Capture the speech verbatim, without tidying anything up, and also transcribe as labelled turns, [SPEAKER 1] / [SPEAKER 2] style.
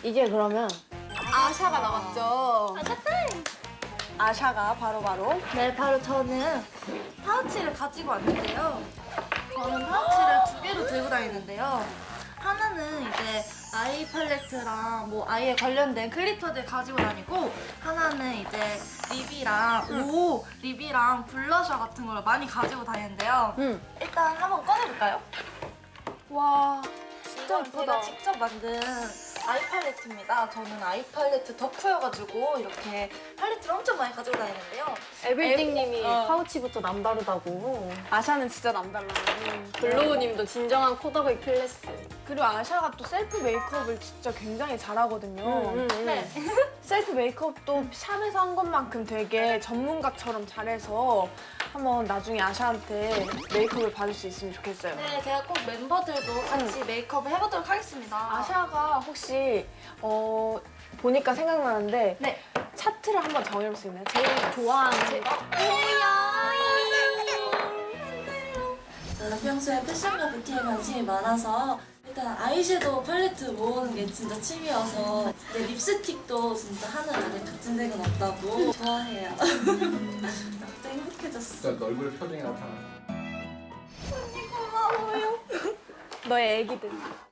[SPEAKER 1] 이제 그러면
[SPEAKER 2] 아샤가 남았죠. 아샤가 바로바로.
[SPEAKER 3] 네, 바로 저는 파우치를 가지고 왔는데요. 저는 파우치를 두 개로 들고 다니는데요. 하나는 이제 아이 팔레트랑 뭐 아이에 관련된 글리터들 가지고 다니고, 하나는 이제 립이랑 오 립이랑 블러셔 같은 걸 많이 가지고 다니는데요.
[SPEAKER 1] 음.
[SPEAKER 3] 일단 한번 꺼내볼까요?
[SPEAKER 2] 와,
[SPEAKER 3] 진짜 제가 직접 만든 아이 팔레트입니다. 저는 아이 팔레트 덕후여가지고 이렇게 팔레트를 엄청 많이 가지고 다니는데요.
[SPEAKER 1] 에블띵님이
[SPEAKER 2] 어.
[SPEAKER 1] 파우치부터 남다르다고.
[SPEAKER 2] 아샤는 진짜 남달라.
[SPEAKER 1] 블로우님도 진정한 코더웨이 클래스.
[SPEAKER 2] 그리고 아샤가 또 셀프 메이크업을 진짜 굉장히 잘하거든요.
[SPEAKER 1] 음, 음.
[SPEAKER 3] 네.
[SPEAKER 2] 셀프 메이크업도 샵에서 한 것만큼 되게 전문가처럼 잘해서 한번 나중에 아샤한테 메이크업을 받을 수 있으면 좋겠어요.
[SPEAKER 3] 네, 제가 꼭 멤버들도 같이 메이크업을 해보도록 하겠습니다.
[SPEAKER 2] 아샤가 혹시 어 보니까 생각나는데
[SPEAKER 3] 네.
[SPEAKER 2] 차트를 한번 정해볼 수 있나요? 제일 좋아하는
[SPEAKER 4] 저는 평소에 패션과 뷰티에 관심이 많아서 일단 아이섀도우 팔레트 모으는 게 진짜 취미여서 내 립스틱도 진짜 하늘 안에 같은 색은 없다고 좋아해요. 갑자기 행복해졌어.
[SPEAKER 5] 진짜 얼굴 표정이 나타나.
[SPEAKER 2] 너의 애기들.